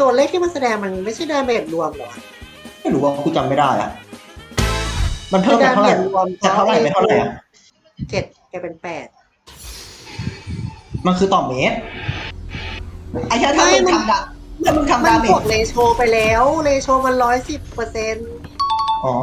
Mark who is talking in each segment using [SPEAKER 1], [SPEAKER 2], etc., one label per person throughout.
[SPEAKER 1] ตัวเลขที่มันแสดงมันไม่ใช่ดาเมจรวมหรอ
[SPEAKER 2] ไม่รู้ว่ากูจำไม่ได้อะมันเพิ่มไปเท่าไหร่จากเท่าไหร่ไปเท่าไหร่อะ
[SPEAKER 1] 7กลายเป็น8
[SPEAKER 2] มันคือต่อเมตรไอ้แค่ถ้ามึงทำถ้ามึงทำ
[SPEAKER 1] มัน
[SPEAKER 2] ดาเมจ
[SPEAKER 1] กดเรโชไปแล้วเรโชมัน110%
[SPEAKER 2] อ๋อ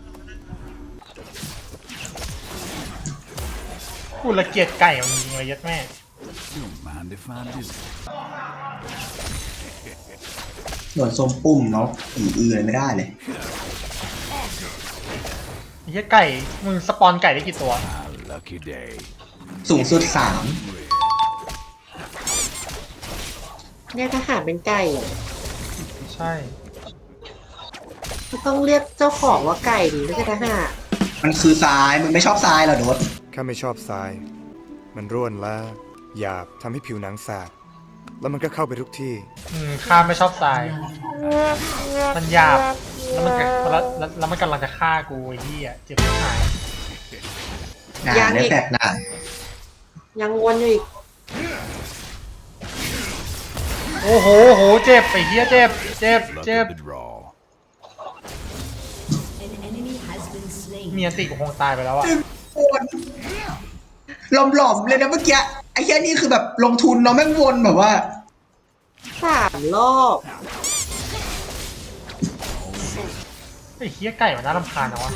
[SPEAKER 3] กูละเกียดไก่มันจริงเลยยัดแม่
[SPEAKER 4] Don't mind if I do.
[SPEAKER 2] หนวดทรงปุ่มเนาะอือเลยไม่ได้เลย
[SPEAKER 3] ไอ้เหี้ยไก่มึงสปอนไก่ได้กี่ตัว
[SPEAKER 4] A lucky day.
[SPEAKER 2] สูงสุด
[SPEAKER 1] เนี่ยทหารเป็นไก่
[SPEAKER 3] ใช่
[SPEAKER 1] ก็ต้องเรียกเจ้าของว่าไก่ดิไม่ใช่ทหาร
[SPEAKER 2] มันคือทรายมึงไม่ชอบทรายเหรอโดด
[SPEAKER 5] ข้าไม่ชอบทราย มันร่วนและหยาบทำให้ผิวหนังสาบแล้วมันก็เข้าไปทุกที่
[SPEAKER 3] ข้าไม่ชอบทราย มันหยาบแล้วมันกำลังจะฆ่ากูไอ้เหี้ยเจ็บที่หาย
[SPEAKER 2] ได้แฟกหนา
[SPEAKER 1] ยังวนอยู่อีก
[SPEAKER 3] โอ้โหเจ็บไอ้เหี้ยเจ็บ
[SPEAKER 4] Luck of the draw.
[SPEAKER 3] มีอันติกูคงตายไปแล้วอะ
[SPEAKER 2] หลอมๆเลยนะเมื่อกี้ไอ้แค่นี้คือแบบลงทุนเนาะแม่งวนแบบว่า
[SPEAKER 1] 3 รอบ
[SPEAKER 3] ไอ้เหี้ยไก่มันน่ารำคาญนะวะ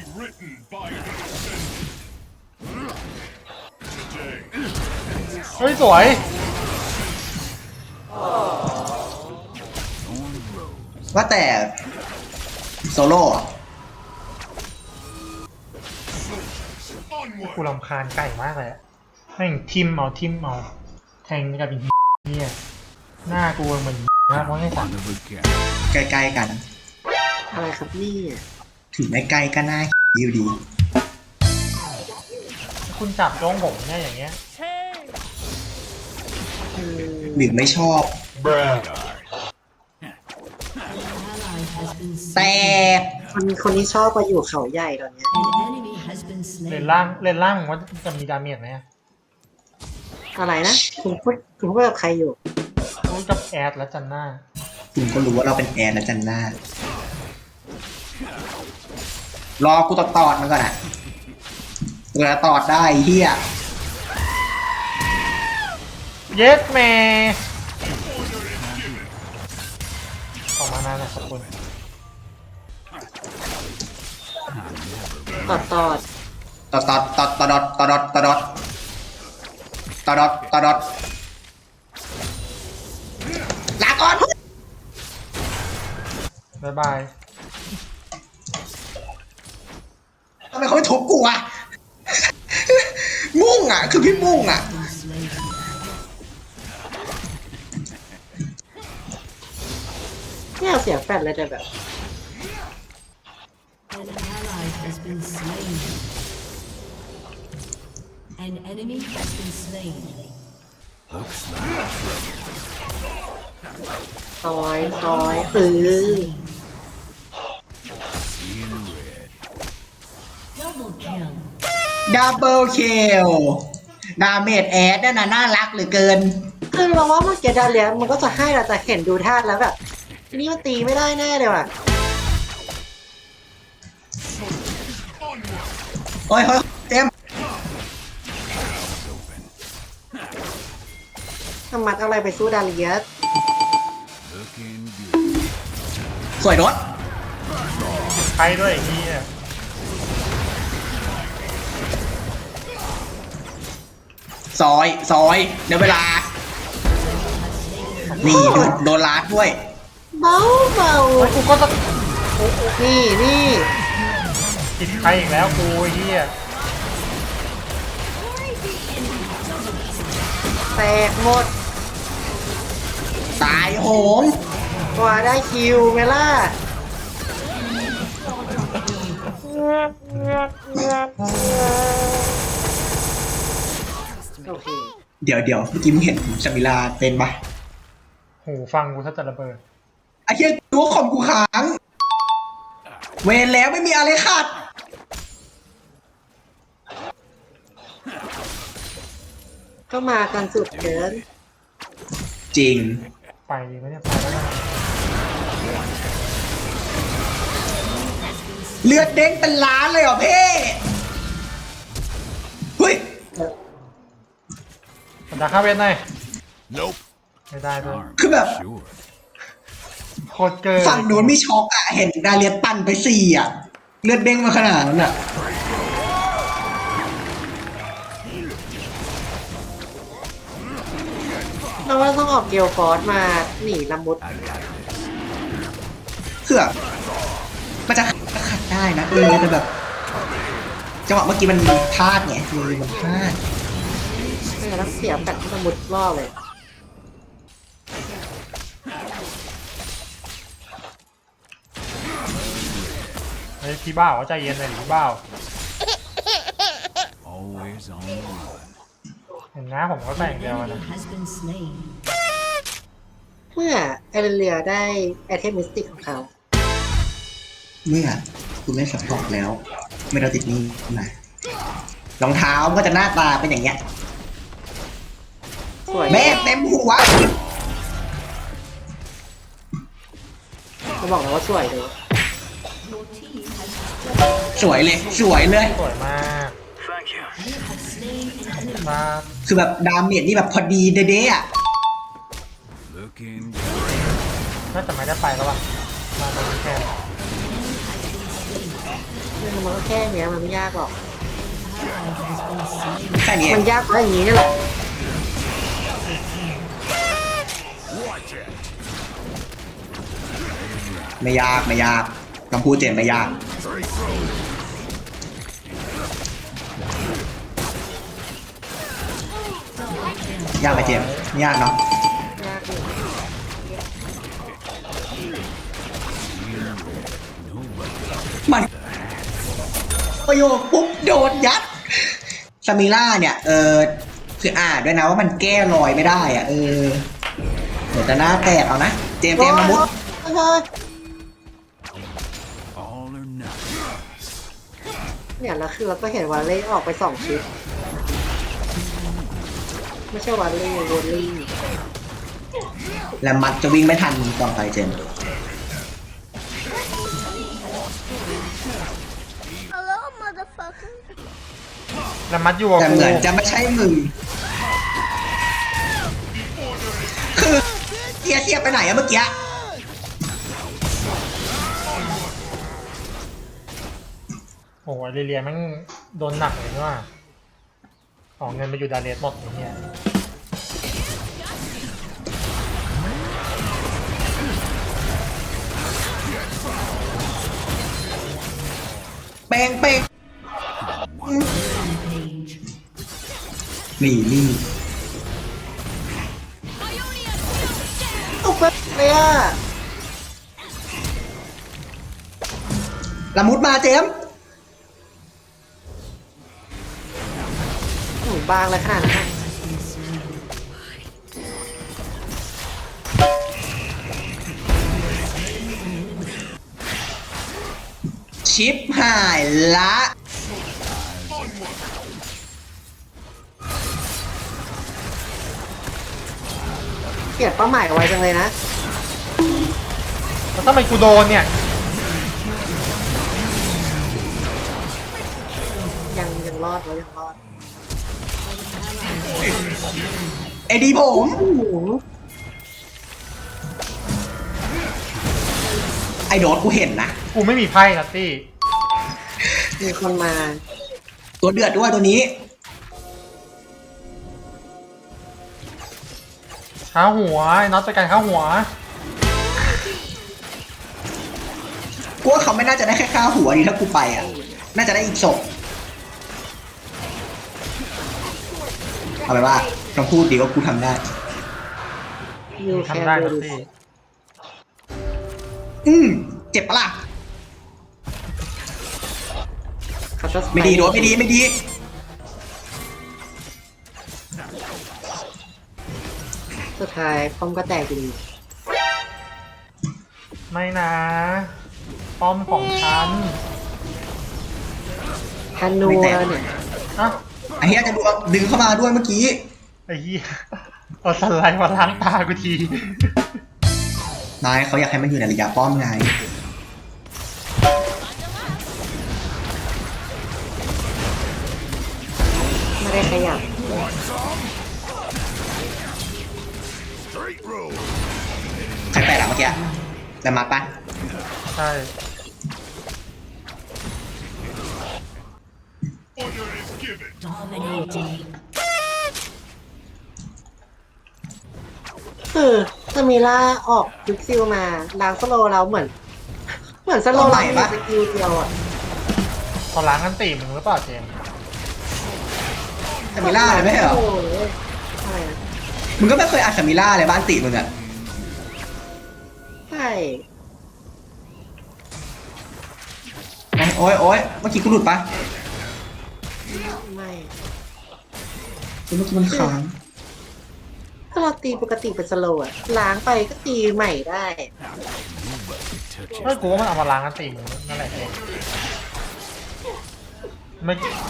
[SPEAKER 3] เฮ้ยสวย
[SPEAKER 2] ว่าแต่โซโล่อะ
[SPEAKER 3] กูรำคาญไก่มากเลยอะแม่งทิมเอาแทงกับอีเนี่ยหน้ากูเหมือนมากเพราะไอ้สัต
[SPEAKER 4] One
[SPEAKER 3] ว์
[SPEAKER 4] of a kind.
[SPEAKER 2] ใกล้ๆกัน
[SPEAKER 1] อะไรครับนี่
[SPEAKER 2] ถึงไม่ใกล้ก็น่าอยู่ดี
[SPEAKER 3] คุณจับจ้องผมเนี่ยอย่างเงี้ย
[SPEAKER 2] หรือไม่ชอบ แต่
[SPEAKER 1] คนนี้ชอบมาอยู่เขาใหญ่ตอนเนี้ย
[SPEAKER 3] เลนล่างว่าจะมีดาเมจไหม
[SPEAKER 1] อะไรนะคุณพูดกับใครอยู่
[SPEAKER 3] พูดกับแอดและจันน่า
[SPEAKER 2] คุณก็รู้ว่าเราเป็นแอนและจันน่ารอกูตอดมันก่อนอ่ะกูจะตอดได้เฮีย
[SPEAKER 3] เย็ดแม่ออกมานานนะขอบคุณ
[SPEAKER 1] ตอด
[SPEAKER 2] ตอดลาก่อน
[SPEAKER 3] บ๊ายบาย
[SPEAKER 2] ทำไมเขาไม่ทุบกูอ่ะ มุ่งอ่ะคือพี่มุ่งอ่ะ
[SPEAKER 1] เนี่ยเสียงแฟดเลยแต่แบบ
[SPEAKER 6] An ally has been slain. An enemy has been slain.
[SPEAKER 4] Looks like
[SPEAKER 1] ซอย
[SPEAKER 4] seeing red.
[SPEAKER 6] Double kill.
[SPEAKER 2] ดับเบิลคิลดาเมจแอดนั่นน่ะน่ารักเหลือเกิน
[SPEAKER 1] คือเราว่าเมื่อกี้ดาเลียมันก็จะให้เราแต่เห็นดูท่าแล้วแบบทีนี้มันตีไม่ได้แน่เลยว่ะ
[SPEAKER 2] โอ้ยเต็ม
[SPEAKER 1] ทำมัดอะไรไปสู้ดาเลีย
[SPEAKER 4] Looking good.
[SPEAKER 2] สวยรถ
[SPEAKER 3] ใครด้วยไอ้เหี้ย
[SPEAKER 2] ซอยเดี๋ยวเวลา นี่โดนลาดด้วย
[SPEAKER 1] เบา
[SPEAKER 3] กูก็จะ
[SPEAKER 1] นี่
[SPEAKER 3] ติดใครอีกแล้วกูไอ้เหี้ย
[SPEAKER 1] แตกหมด
[SPEAKER 2] ตายโหง
[SPEAKER 1] กว่าได้คิวไหมล่ะโอเค
[SPEAKER 2] เดี๋ยวเมื่อกี้มึงเห็นชามิลาเต้นปะ
[SPEAKER 3] หูฟังกูถ้าจะระเบิด
[SPEAKER 2] ไอ้เหี้ยตัวคอมกูค้าง เวรแล้วไม่มีอะไรขาด
[SPEAKER 1] ก็มากันสุดเกิน
[SPEAKER 2] จริง
[SPEAKER 3] ไปดีไหมเนี่ยไปแล้วนะ
[SPEAKER 2] เลือดเด้งเป็นล้านเลยเหรอเพ่เฮ้ย
[SPEAKER 3] สันดาข้าเวทหน่อย
[SPEAKER 4] Nope.
[SPEAKER 3] ไม่ได้ด้วย
[SPEAKER 4] Arm,
[SPEAKER 2] คือแบบ
[SPEAKER 4] sure.
[SPEAKER 3] โคตรเกิน
[SPEAKER 2] ฝั่งโน้นมีช็อกอะเห็นดาเลียปั่นไป4อะเลือดเด้งมาขนาดนั้นอะ
[SPEAKER 1] เราว่าต้องออกเกลฟอร์สมาหนีละมุด
[SPEAKER 4] I got this.
[SPEAKER 2] คือแบบมันจะขัดได้นะแต่แบบจังหวะเมื่อกี้มันพลาดไงมันพลาด
[SPEAKER 1] ไม่งั้นต้องเสียแปดละมุดรอบเลย
[SPEAKER 3] เฮ้ยพี่บ้าวใจเย็นเลยดิพี่บ้าว
[SPEAKER 4] Always on the run.
[SPEAKER 3] เห็นนะผมก็แต่ง
[SPEAKER 6] An
[SPEAKER 3] เดียวกัน
[SPEAKER 6] enemy
[SPEAKER 3] นะ
[SPEAKER 6] has been slain.
[SPEAKER 1] เมื่อเอเรียได้ไอเทมมิสติกของเขา
[SPEAKER 2] เมื่อคุณเล่นสับตอกแล้ว ไม่เราติดนี่มารองเท้าก็จะหน้าตาเป็นอย่างเงี้ย
[SPEAKER 1] สวย
[SPEAKER 2] แม่เต็มหัว
[SPEAKER 1] เขาบอกแล้วว่าสวยเลย
[SPEAKER 6] Your team has
[SPEAKER 2] สวยเลยสวยเลย
[SPEAKER 3] สวยมาก
[SPEAKER 6] you have slain an enemy.
[SPEAKER 3] มา
[SPEAKER 2] คือแบบดาเมจนี่แบบพอดีเด๊ะๆอะ
[SPEAKER 4] Looking
[SPEAKER 3] น่าจะไม่ได้ไปแล้วว่ะมาตรงนี้แค่
[SPEAKER 1] มันก็แค่เนี้ยมันไม่ยากหรอก
[SPEAKER 6] Ally has been slain.
[SPEAKER 2] แค่นี้เอ
[SPEAKER 1] มัน
[SPEAKER 2] ง
[SPEAKER 1] ยากเพราะอย่างนี้นี่แหละ
[SPEAKER 2] ไม่ยากไม่ยากคำพูดเจนไม่ยาก ยากไหมเจมส์ไม่ยากเนาะ
[SPEAKER 1] ยากอยู่
[SPEAKER 2] มันประโยคปุ๊บโดนยัดซามิล่าเนี่ยคือด้วยนะว่ามันแก้รอยไม่ได้อ่ะเดี๋ยวจะหน้าแตกเอานะเจมส์ละมุด
[SPEAKER 1] เฮ้ย
[SPEAKER 4] all or nothing.
[SPEAKER 1] เนี่ยแล้วคือเราก็เห็นวาเล่ออกไป2ชุดไม่ใช่วาเล่โรลลี่
[SPEAKER 2] แล้วมัดจะวิ่งไม่ทันต่อไปเจมส์
[SPEAKER 3] แล้วมัดอยู่กับ
[SPEAKER 2] แต่
[SPEAKER 3] กู
[SPEAKER 2] เหมือนจะไม่ใช่มึงคือเสียไปไหนอะเมื่อกี้
[SPEAKER 3] โอ้โหเรียนแม่งโดนหนักเลยว่าของเงินไปอยู่ดาเรสหมดอย่างเงี้ย
[SPEAKER 2] เป้งเป้ง
[SPEAKER 6] Rampage.
[SPEAKER 2] นี่
[SPEAKER 1] ตกไปเลยอ่ะ
[SPEAKER 2] ละมุดมาเจมส์
[SPEAKER 1] หนูบางเลยขนาดนั้น
[SPEAKER 2] ชิปหายละ
[SPEAKER 1] เปลี่ยนเป้าหมายไว้จังเลยนะ
[SPEAKER 3] แล้วทำไมกูโดนเนี่ย
[SPEAKER 1] ยังรอดไว้ยังรอด
[SPEAKER 2] ไอ้ดีผม
[SPEAKER 1] โอ้โห
[SPEAKER 2] ไอ้โดดกูเห็นนะ
[SPEAKER 3] กูไม่มีไพ่นัตตี้
[SPEAKER 1] มีคนมา
[SPEAKER 2] ตัวเดือดด้วยตัวนี้
[SPEAKER 3] ข้าหัวไอ้น็อตจัดการข้าหัว
[SPEAKER 2] กูว่าเขาไม่น่าจะได้แค่ค่าหัวดีถ้ากูไปอ่ะ น่าจะได้อีกศพเอาไปนว่าต้องพูดดีว่ากูทำได้
[SPEAKER 1] You can
[SPEAKER 3] ทำได้
[SPEAKER 1] do
[SPEAKER 3] นัต
[SPEAKER 1] this
[SPEAKER 3] ตี้
[SPEAKER 2] เจ็บปะล่ะ
[SPEAKER 1] เขาจะ
[SPEAKER 2] ไม่ดีโดดไม่ดีไม่ดี
[SPEAKER 1] สุดท้ายป้อมก็แตกอยู่ดี
[SPEAKER 3] ไม่นะ ป้อมของฉัน
[SPEAKER 1] ฮันนูแล้วเนี่ย
[SPEAKER 3] อ่ะ
[SPEAKER 2] ไอ้เหี้ยจะดึงเข้ามาด้วยเมื่อกี้
[SPEAKER 3] ไอ้เหี้ยเอาสไลด์มาล้างตากูที
[SPEAKER 2] นายเขาอยากให้มันอยู่ในระยะป้อมไง
[SPEAKER 1] ขยับ
[SPEAKER 4] Straight road.
[SPEAKER 2] ใครแปลกอะเมื่อกี้แต่มาปะ
[SPEAKER 3] ใช่
[SPEAKER 4] Order is given.
[SPEAKER 6] Dominating.
[SPEAKER 1] คือสมิล่าออกยุกซิลมาล้างสโลว์เราเหมือนสโลว์เรามีสกิลเดียวอ่ะ
[SPEAKER 3] พอล้างกันตีมึงหรือเปล่าเจมส์
[SPEAKER 2] ซามิล่าเลยไม่ใช่เหรอ
[SPEAKER 1] โอ้ยอะไรนะ
[SPEAKER 2] มึงก็ไม่เคยอ่านซามิล่าเลยบ้านติมึงอะ
[SPEAKER 1] ใช่
[SPEAKER 2] โอ๊ยโอ๊ยเมื่อกี้กูหลุดปะ
[SPEAKER 1] ไม่
[SPEAKER 2] เมื่อกี้มันค้าง
[SPEAKER 1] ถ้าเราตีปกติเป็นสโลว์อะล้างไปก็ตีใหม่ได้
[SPEAKER 4] Touch
[SPEAKER 3] เฮ้ยกูว่ามันเอามาล้างกันตีมึงนั่นแหละเจมส์ไม่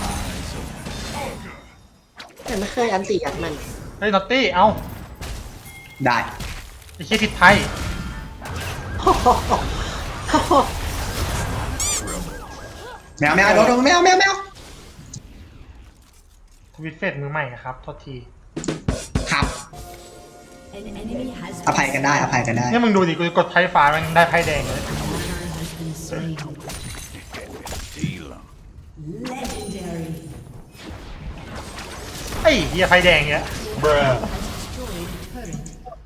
[SPEAKER 1] แต่ไม่เคยอันตียัดมัน
[SPEAKER 3] เฮ้ยนอตตี้เอ้า
[SPEAKER 2] ได้
[SPEAKER 3] ไอ้เชี่ยทิศไทย
[SPEAKER 2] ไม่เอาโดนไม่เอา
[SPEAKER 3] ทวิตเฟสมือใหม่นะครับโทษที
[SPEAKER 2] ครับ
[SPEAKER 6] An enemy has
[SPEAKER 2] อภัยกันได้อภัยกันได้
[SPEAKER 3] เนี่ยมึงดูดิกูกดไพ่ฟ้ามันได้ไพ่แดงเลย
[SPEAKER 6] has been slain.
[SPEAKER 4] deal 'em.
[SPEAKER 6] Legendary.
[SPEAKER 3] ไอ้เหี้ยไพ่แดงเนี้ย
[SPEAKER 6] Destroyed turret.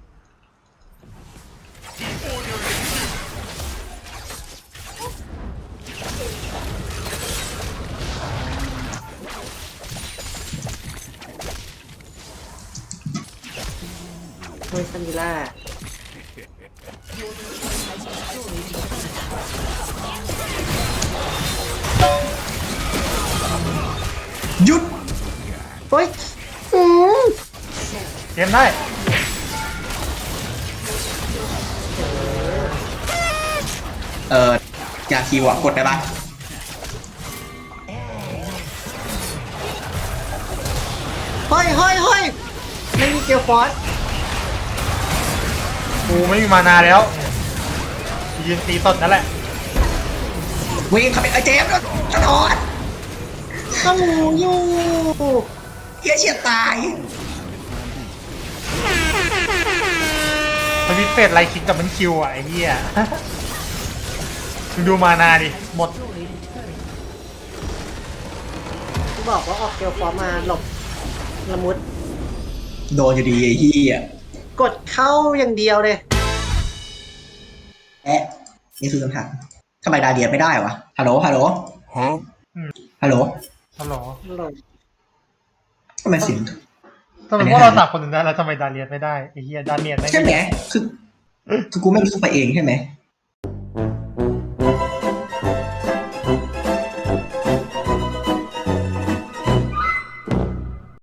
[SPEAKER 1] โดยสมิล่า
[SPEAKER 2] หยุด
[SPEAKER 1] เฮ้ยอืม
[SPEAKER 3] เกมได้
[SPEAKER 2] อยากคิวอะกดได้ปะ
[SPEAKER 1] เฮ้ยไม่มีเกลฟอส
[SPEAKER 3] กูไม่มีมานาแล้วยืนตีสดนั่นแหละ
[SPEAKER 2] วิ่งเข้าไปไอ้เจมส์กระโดด
[SPEAKER 1] ต้องอยู่
[SPEAKER 2] เฮียเฉียดตาย
[SPEAKER 3] ทวิตเฟสไลคิกกับมันคิวอ่ะไอ้เหี้ย มึงดูมานาดิหมด
[SPEAKER 1] ที่บอกว่าออกเกลฟอสมาหลบละมุด
[SPEAKER 2] โดนอยู่ดีไอ้เฮีย
[SPEAKER 1] กดเข้าอย่างเดียวเลย
[SPEAKER 2] นี่คือคำถามทำไมดาเดียไม่ได้วะฮัลโหล
[SPEAKER 4] Huh?
[SPEAKER 2] ฮัลโหล
[SPEAKER 3] ฮัลโหล
[SPEAKER 1] หลบ
[SPEAKER 2] ทำไมเสียง
[SPEAKER 3] ทำไมพวกเราสามคนถึงได้แล้วทำไมดาเลียนไม่ได้ไอ้เหี้ยดาเมียนไม่
[SPEAKER 2] ใช่ไหมคือกูไม่รู้สึกไปเองใช่ไหม